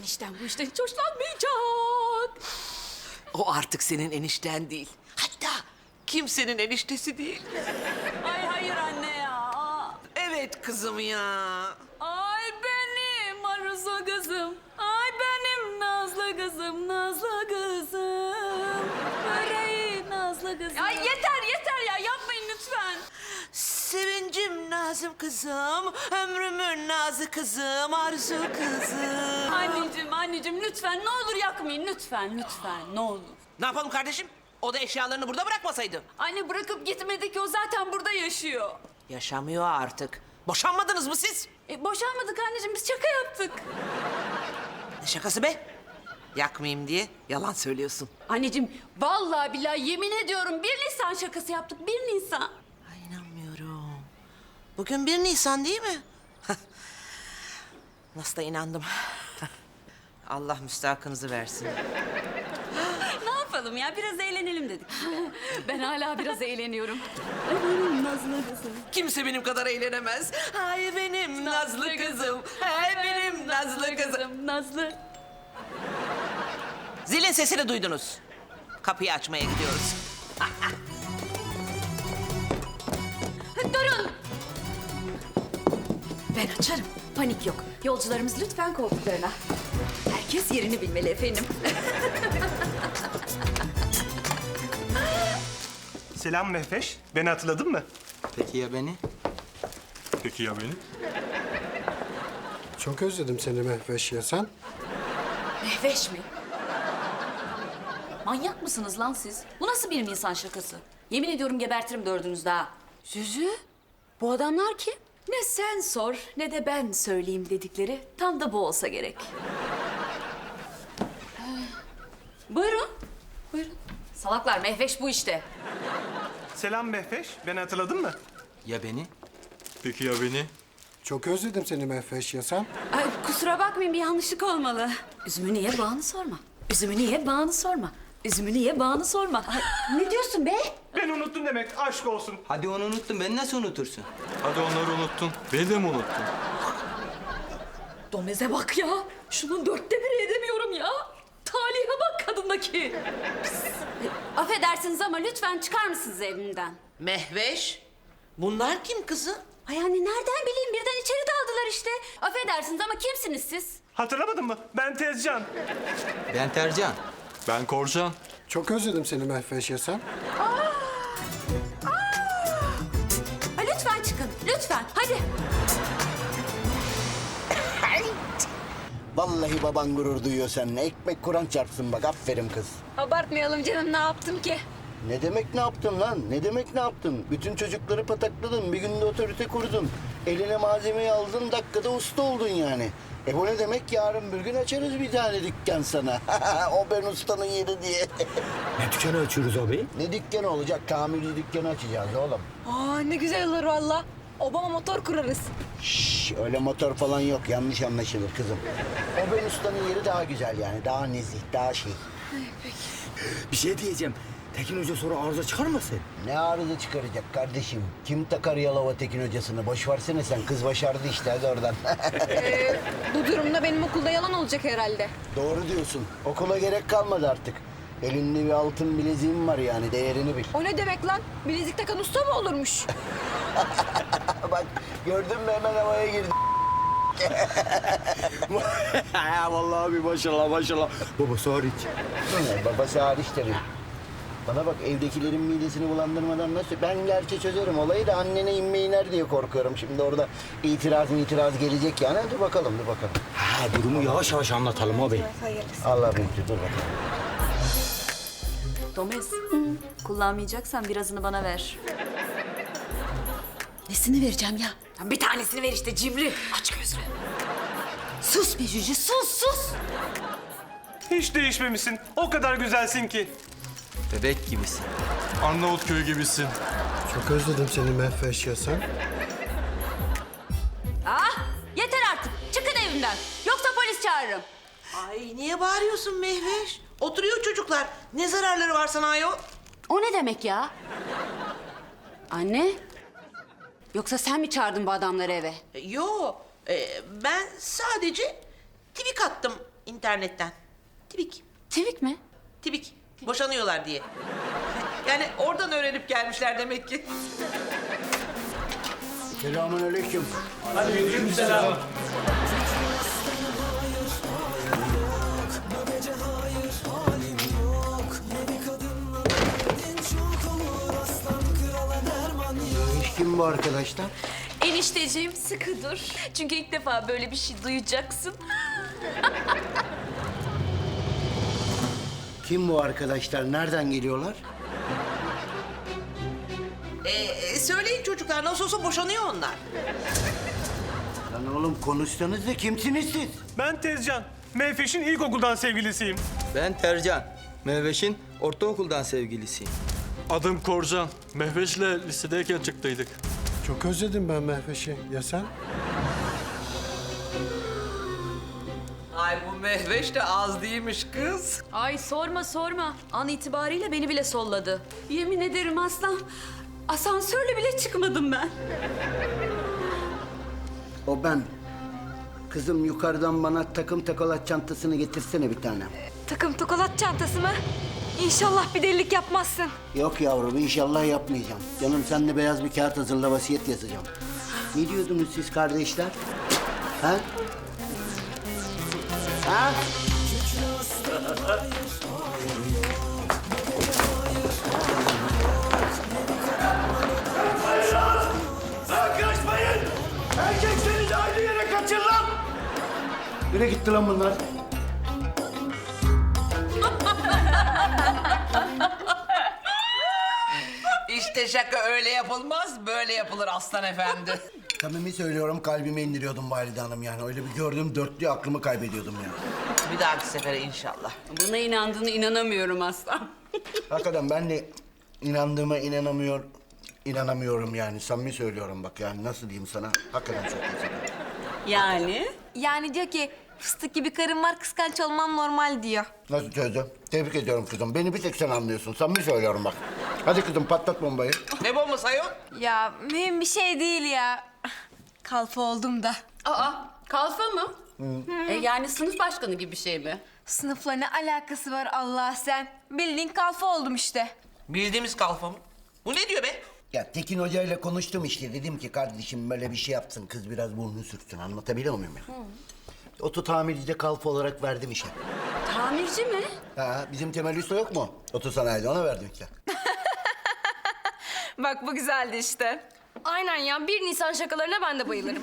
enişten bu işten hiç hoşlanmayacak. O artık senin enişten değil. Hatta kimsenin eniştesi değil. Ay hayır anne ya. Evet kızım ya. Ay benim Arzu kızım. Ay benim Nazlı kızım, Nazlı kızım. Böreği Nazlı kızım. Ay yeter ya yapmayın lütfen. Sevincim Nazım kızım, ömrümün nazı kızım, arzu kızım. Anneciğim lütfen ne olur yakmayın lütfen ne olur. Ne yapalım kardeşim? O da eşyalarını burada bırakmasaydı. Anne bırakıp gitmedi ki o zaten burada yaşıyor. Yaşamıyor artık. Boşanmadınız mı siz? Boşanmadık anneciğim biz şaka yaptık. Ne şakası be? Yakmayayım diye yalan söylüyorsun. Anneciğim vallahi billahi yemin ediyorum 1 Nisan şakası yaptık 1 Nisan. Ay inanmıyorum. Bugün 1 Nisan değil mi? Nasıl da inandım. Allah müstahakınızı versin. Ne yapalım ya biraz eğlenelim dedik. Ben hala biraz eğleniyorum. Ay benim Nazlı kızım. Kimse benim kadar eğlenemez. Ay benim nazlı kızım. Ay benim nazlı kızım. Nazlı. Zilin sesini duydunuz. Kapıyı açmaya gidiyoruz. Durun. Ben açarım. Panik yok. Yolcularımız lütfen koltuklarına. Herkes yerini bilmeli efendim. Selam Mehveş. Beni hatırladın mı? Peki ya beni? Peki ya beni? Çok özledim seni Mehveş ya sen. Mehveş mi? Manyak mısınız lan siz? Bu nasıl bir insan şakası? Yemin ediyorum gebertirim dördünüz daha. Züzü, bu adamlar kim? Ne sen sor ne de ben söyleyeyim dedikleri tam da bu olsa gerek. Buyurun, buyurun. Salaklar, Mehveş bu işte. Selam Mehveş. Beni hatırladın mı? Ya beni? Peki ya beni? Çok özledim seni Mehveş ya sen. Ay, kusura bakmayın bir yanlışlık olmalı. Üzümü niye bağını sorma. Üzümü niye bağını sorma. Üzümü niye bağını sorma. Ay, ne diyorsun be? Ben unuttum demek. Aşk olsun. Hadi onu unuttun, beni nasıl unutursun? Hadi onları unuttun. Beni de mi unuttun? Domeze bak ya. Şunun 1/4 edemiyorum ya. Talihe bak kadındaki. Affedersiniz ama lütfen çıkar mısınız evimden? Mehveş, bunlar kim kızım? Ay anne nereden bileyim birden içeri daldılar işte. Affedersiniz ama kimsiniz siz? Hatırlamadın mı? Ben Tezcan. Ben Tercan. Ben Korcan. Çok özledim seni Mehveş ya sen. Ay, lütfen çıkın lütfen hadi. Vallahi baban gurur duyuyor seninle. Ekmek Kur'an çarpsın bak. Aferin kız. Abartmayalım canım ne yaptım ki? Ne demek ne yaptın lan? Ne demek ne yaptın? Bütün çocukları patakladın. Bir günde otorite kurdun. Eline malzemeyi aldın. Dakikada usta oldun yani. Bu ne demek? Yarın bir gün açarız bir tane dükkan sana. O ben ustanın yeri diye. Ne dükkanı açıyoruz abi? Ne dükkanı olacak? Tamirci dükkanı açacağız oğlum. Aa ne güzel olur valla. Obama motor kurarız. Şşş, öyle motor falan yok. Yanlış anlaşılır kızım. O ben ustanın yeri daha güzel yani. Daha nezih, daha şey. Bir şey diyeceğim. Tekin Hoca sonra arıza çıkarmasın? Ne arıza çıkaracak kardeşim? Kim takar Yalova Tekin hocasını? Boş versene sen. Kız başardı işte hadi oradan. Bu durumda benim okulda yalan olacak herhalde. Doğru diyorsun. Okula gerek kalmadı artık. Elinde bir altın bileziğim var yani. Değerini bil. O ne demek lan? Bilezik takan usta mı olurmuş? Bak gördün mü hemen havaya girdi. Vallahi abi maşallah. Babası hariç. Babası hariç tabii. Bana bak evdekilerin midesini bulandırmadan nasıl... Ben gerçi çözerim olayı da annene inme iner diye korkuyorum. Şimdi orada itiraz gelecek yani. Dur bakalım. Ha, durumu yavaş yavaş anlatalım abi. Allah büyüktür dur bakalım. Domez kullanmayacaksan birazını bana ver. Nesini vereceğim ya? Ya bir tanesini ver işte cimri. Aç gözünü. Sus be Cücü sus. Hiç değişmemişsin. O kadar güzelsin ki. Bebek gibisin. Arnavutköy gibisin. Çok özledim seni Mehveş ya sen. Yeter artık çıkın evimden. Yoksa polis çağırırım. Ay niye bağırıyorsun Mehveş? Oturuyor çocuklar. Ne zararları var sana ayol? O ne demek ya? Anne? Yoksa sen mi çağırdın bu adamları eve? Yo, ben sadece tweet attım internetten. Tibik. Twik mi? Tibik. Boşanıyorlar diye. Yani oradan öğrenip gelmişler demek ki. Selamünaleyküm. Kim bu arkadaşlar? Enişteciğim sıkı dur. Çünkü ilk defa böyle bir şey duyacaksın. Kim bu arkadaşlar? Nereden geliyorlar? Söyleyin çocuklar, nasıl olsa boşanıyor onlar. Lan oğlum konuşsanız da kimsiniz siz? Ben Tezcan. Meyfeş'in ilkokuldan sevgilisiyim. Ben Tercan. Mehveş'in ortaokuldan sevgilisiyim. Adım Korcan. Mehveş'le lisedeyken çıktıydık. Çok özledim ben Mehveş'i. Ya sen? Ay bu Mehveş de az değilmiş kız. Ay sorma sorma. An itibariyle beni bile solladı. Yemin ederim aslan. Asansörle bile çıkmadım ben. O ben. Kızım yukarıdan bana takım takolat çantasını getirsene bir tane. Takım tokalat çantası mı? İnşallah bir delilik yapmazsın. Yok yavrum inşallah yapmayacağım. Canım sen de beyaz bir kağıt hazırla vasiyet yazacağım. Ne diyordunuz siz kardeşler? Ha? Ha? Kaçmayın! Erkekseniz aynı yere kaçın lan! Nereye gitti lan bunlar? İşte şaka öyle yapılmaz, böyle yapılır aslan efendi. Samimi söylüyorum kalbime indiriyordum Valide Hanım yani. Öyle bir gördüm dörtlüğü aklımı kaybediyordum ya. Bir dahaki sefere inşallah. Buna inandığını inanamıyorum aslan. Hakikaten ben de inandığıma inanamıyorum yani. Samimi söylüyorum bak yani nasıl diyeyim sana. Hakikaten çok güzel. Yani? Yani diyor ki fıstık gibi karın var kıskanç olmam normal diyor. Nasıl çözdün? Tebrik ediyorum kızım. Beni bir tek sen anlıyorsun. Samimi söylüyorum bak. Hadi kızım patlat bombayı. Ne bombası ayol? Ya mühim bir şey değil ya. Kalfa oldum da. Aa, kalfa mı? Yani sınıf başkanı gibi bir şey mi? Sınıfla ne alakası var Allah sen? Bildiğin kalfa oldum işte. Bildiğimiz kalfa mı? Bu ne diyor be? Ya Tekin Hoca ile konuştum işte. Dedim ki kardeşim böyle bir şey yapsın. Kız biraz burnunu sürtsün. Anlatabiliyor muyum ya? Oto tamircide kalfa olarak verdim işe. Tamirci mi? Ha, bizim Temel Usta yok mu? Oto sanayide ona verdim işte. Bak bu güzeldi işte. Aynen ya 1 Nisan şakalarına ben de bayılırım.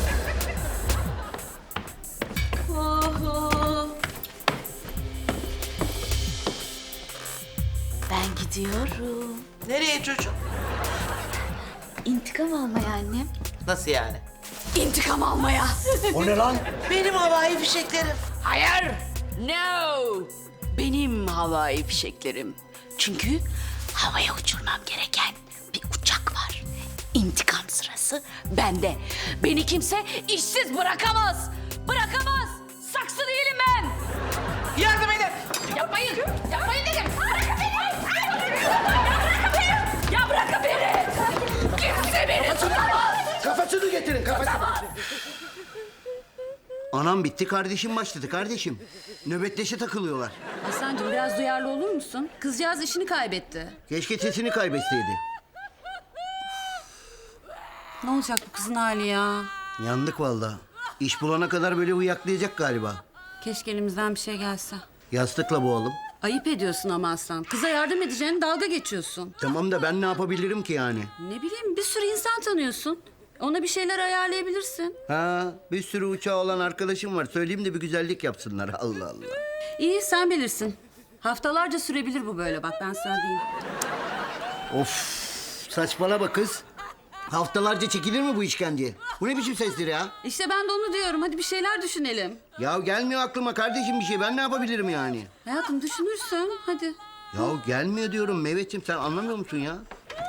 Ben gidiyorum. Nereye çocuğum? İntikam almaya annem. Nasıl yani? İntikam almaya. O ne lan? Benim havai fişeklerim. Hayır. No. Benim havai fişeklerim. Çünkü havaya uçurmam gereken bir uçak var. İntikam sırası bende. Beni kimse işsiz bırakamaz. Bırakamaz. Saksı değilim ben. Yardım edin. Yapmayın. Yapmayın dedim. Bırakın beni. Bırakın beni. Ya bırakın beni. Kimse beni tutamaz. Kafasını getirin kafasını. Anam bitti kardeşim başladı kardeşim. Nöbetleşe takılıyorlar. Aslancığım biraz duyarlı olur musun? Kızcağız işini kaybetti. Keşke sesini kaybetseydi. Ne olacak bu kızın hali ya? Yandık vallahi. İş bulana kadar böyle uyaklayacak galiba. Keşke elimizden bir şey gelse. Yastıkla boğalım. Ayıp ediyorsun ama Aslan. Kıza yardım edeceğine dalga geçiyorsun. Tamam da ben ne yapabilirim ki yani? Ne bileyim bir sürü insan tanıyorsun. Ona bir şeyler ayarlayabilirsin. Ha, bir sürü uçağı olan arkadaşım var. Söyleyeyim de bir güzellik yapsınlar. Allah Allah. İyi sen bilirsin. Haftalarca sürebilir bu böyle bak ben sana diyeyim. Of, saçmalama kız. Haftalarca çekilir mi bu işkence? Bu ne biçim sestir ya? İşte ben de onu diyorum. Hadi bir şeyler düşünelim. Ya gelmiyor aklıma kardeşim bir şey. Ben ne yapabilirim yani? Hayatım düşünürsün. Hadi. Ya gelmiyor diyorum Mehmetciğim. Sen anlamıyor musun ya?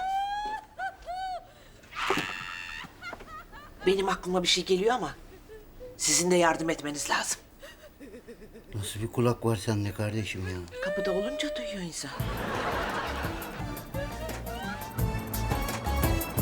Benim aklıma bir şey geliyor ama sizin de yardım etmeniz lazım. Nasıl bir kulak var sende kardeşim ya? Kapıda olunca duyuyor insan.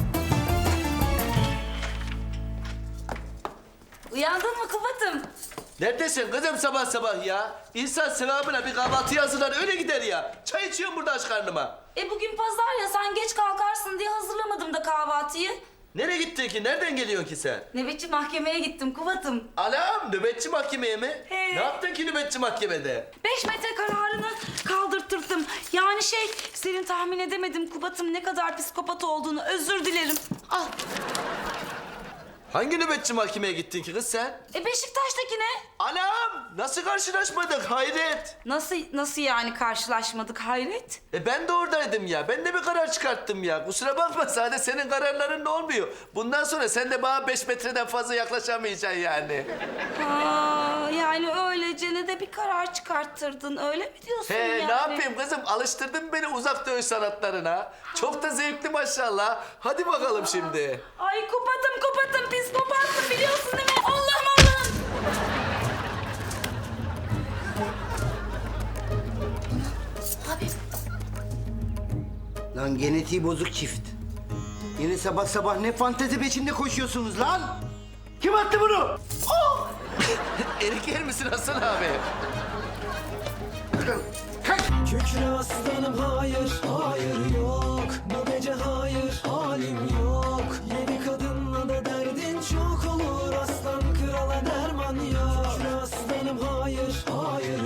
Uyandın mı Kubat'ım? Neredesin kızım sabah sabah ya? İnsan sevabına bir kahvaltı hazırlar öyle gider ya. Çay içiyorum burada aç karnıma. Bugün pazar ya, sen geç kalkarsın diye hazırlamadım da kahvaltıyı. Nereye gittin ki? Nereden geliyorsun ki sen? Nöbetçi mahkemeye gittim Kubat'ım. Anam nöbetçi mahkemeye mi? He. Ne yaptın ki nöbetçi mahkemede? 5 metre kararını kaldırttırdım. Yani senin tahmin edemedim Kubat'ım ne kadar psikopat olduğunu. Özür dilerim. Al. Hangi nöbetçi mahkemeye gittin ki kız sen? Beşiktaş'takine. Anam nasıl karşılaşmadık hayret. Nasıl yani karşılaşmadık hayret? Ben de oradaydım ya. Ben de bir karar çıkarttım ya. Kusura bakma sadece senin kararların ne olmuyor. Bundan sonra sen de bana 5 metreden fazla yaklaşamayacaksın yani. Aa, yani öylece de bir karar çıkarttırdın öyle mi diyorsun He yani? ne yapayım kızım alıştırdın beni uzak dövüş sanatlarına. Çok da zevkli maşallah. Hadi bakalım şimdi. Ay Kubat'ım psikopatsın biliyorsun değil mi? Allah'ım. Abi. Lan genetiği bozuk çift. Yine sabah sabah ne fantezi peşinde koşuyorsunuz lan? Kim attı bunu? Erik yer misin Hasan abi? Kükre aslanım hayır, hayır yok. Bu gece hayır, halim yok. Yeni kadınla da derdin çok olur. Aslan krala derman yok. Kükre aslanım hayır, hayır